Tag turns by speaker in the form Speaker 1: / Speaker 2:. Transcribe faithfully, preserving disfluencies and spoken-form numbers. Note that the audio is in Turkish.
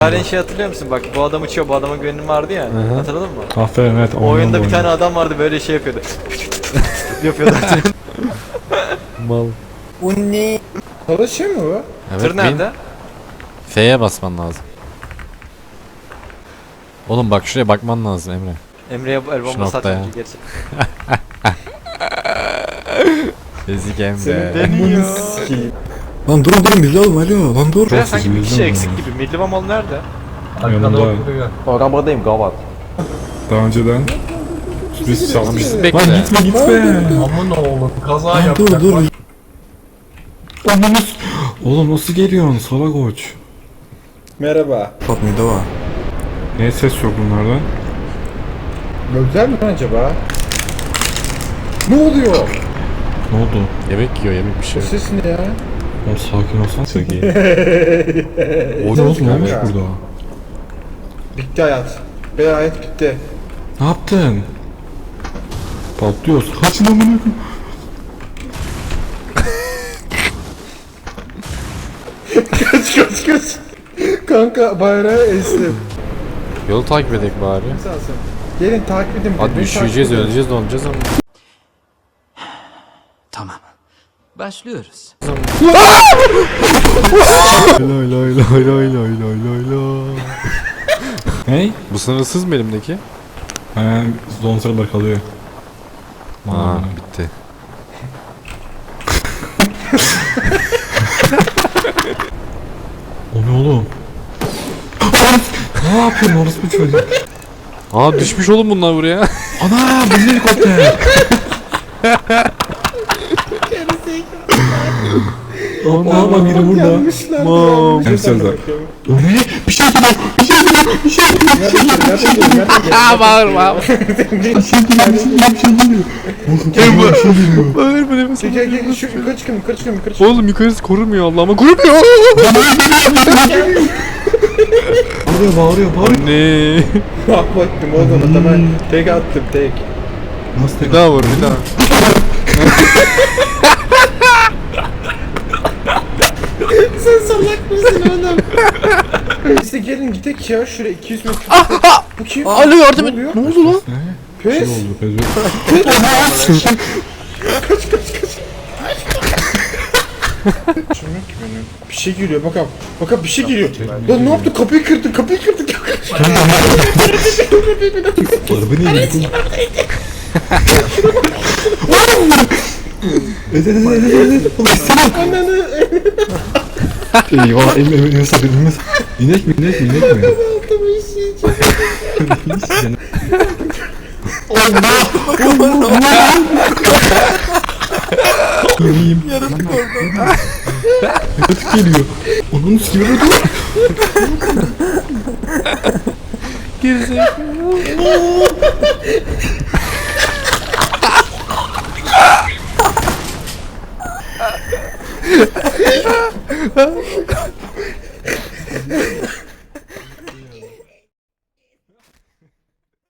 Speaker 1: Halen şey hatırlıyor musun? Bak bu adam uçuyor, bu adama güvenim vardı ya.
Speaker 2: Hı hı.
Speaker 1: Hatırladın mı?
Speaker 2: Aferin, evet.
Speaker 1: O oyunda bir tane adam vardı böyle şey yapıyordu. yapıyordu.
Speaker 2: Mal.
Speaker 3: Bu ne? Çalışıyor mu bu?
Speaker 2: Evet,
Speaker 1: Tır nerede?
Speaker 2: F'ye basman lazım. Oğlum bak şuraya bakman lazım Emre.
Speaker 1: Emre'ye bu el
Speaker 2: Şu
Speaker 1: bombası
Speaker 2: noktaya.
Speaker 1: atınca gerçi.
Speaker 2: Ezik Emre.
Speaker 3: Senin
Speaker 1: Deniyor.
Speaker 3: sikeyim.
Speaker 4: Lan durun durun bizi alın alo lan dur.
Speaker 1: Buraya sanki bir kişi eksik gibi. Millivan malı nerede?
Speaker 4: Yanımda.
Speaker 3: Arabadayım gavat.
Speaker 4: Daha önceden biz çalmış.
Speaker 2: Bizi bekle.
Speaker 4: Lan gitme gitme.
Speaker 3: Aman oğlum kaza
Speaker 4: Lan dur dur. Ananız. Oğlum nasıl geliyorsun salak koç?
Speaker 3: Merhaba.
Speaker 4: Fatma'da var. Niye ses yok bunlardan?
Speaker 3: Gözler mi acaba? Ne oluyor?
Speaker 4: Ne oldu?
Speaker 2: Yemek yiyor, yemek bir şey.
Speaker 3: Bu ses ne ya?
Speaker 4: Oğlum sakin olsan.
Speaker 2: Çok iyi.
Speaker 4: O ne oldu ne olmuş
Speaker 3: Kanka.
Speaker 4: burada?
Speaker 3: Bitti hayat. Benim hayat bitti.
Speaker 4: Ne yaptın? Patlıyoruz. Kaçın amına koyayım.
Speaker 3: Kaç kaç kaç. Kanka bayrağı estim.
Speaker 2: Yolu takip edelim bari.
Speaker 3: Sağsın. Gelin takip edin.
Speaker 2: Hadi
Speaker 3: beni
Speaker 2: üşüyeceğiz,
Speaker 3: takip edin.
Speaker 2: öleceğiz, donacağız ama.
Speaker 5: Tamam. Başlıyoruz.
Speaker 4: Lay lay lay lay lay lay lay lay. Hey?
Speaker 2: Bu sınırsız mı elimdeki?
Speaker 4: He, zon sıralar kalıyor.
Speaker 2: Aa, bitti.
Speaker 4: O ne oğlum? Ne yapıyorsun orası bir çocuk?
Speaker 2: Aa düşmüş oğlum bunlar buraya.
Speaker 4: Ana bu ne helikopter? Ana bak biri burada.
Speaker 3: Gelmişler.
Speaker 4: Mam. Hem sözler. O ne? Bir şey geliyor. Bir şey geliyor. Bir şey geliyor.
Speaker 3: Nereden geliyor? Nereden geliyor?
Speaker 2: Aa bağırma.
Speaker 4: Bir şey geliyor. Bir şey geliyor. Bir şey geliyor. Bir şey geliyor.
Speaker 2: Bağırma nefes.
Speaker 3: Gel gel gel şu yukarı çıkın yukarı çıkın yukarı çıkın.
Speaker 2: Oğlum yukarısı korumuyor Allah'ıma korumuyor.
Speaker 4: Bağırıyor bağırıyor bağırıyor.
Speaker 2: Anne.
Speaker 3: Bak baktım oğlum adama tek attım tek.
Speaker 4: Nasıl
Speaker 2: Bir daha vur bir daha.
Speaker 3: Sen salak mısın oğlum? Neyse gelin gidelim ya şuraya iki yüz metre. Bu kim?
Speaker 2: Alo yardım et.
Speaker 3: oluyor?
Speaker 2: Ne oldu lan?
Speaker 4: Ne?
Speaker 3: Pes.
Speaker 4: Ne oldu? Pezve.
Speaker 3: Çömek benim. Bir şey geliyor bakalım. Bakalım bir şey geliyor. Lan ne yaptı? Kapıyı kırdı, kapıyı kırdı.
Speaker 4: Araba niye gitti? Evet evet evet evet evet. Oğlum salak.
Speaker 3: Ananı.
Speaker 4: Eyvah elime elime sabır elime sabır. İnek mi inek mi inek mi?
Speaker 3: Altıma işeyeceğim.
Speaker 4: Yiyeyim. Yaratık orada. Yaratık geliyor. Onun sikimi öldü.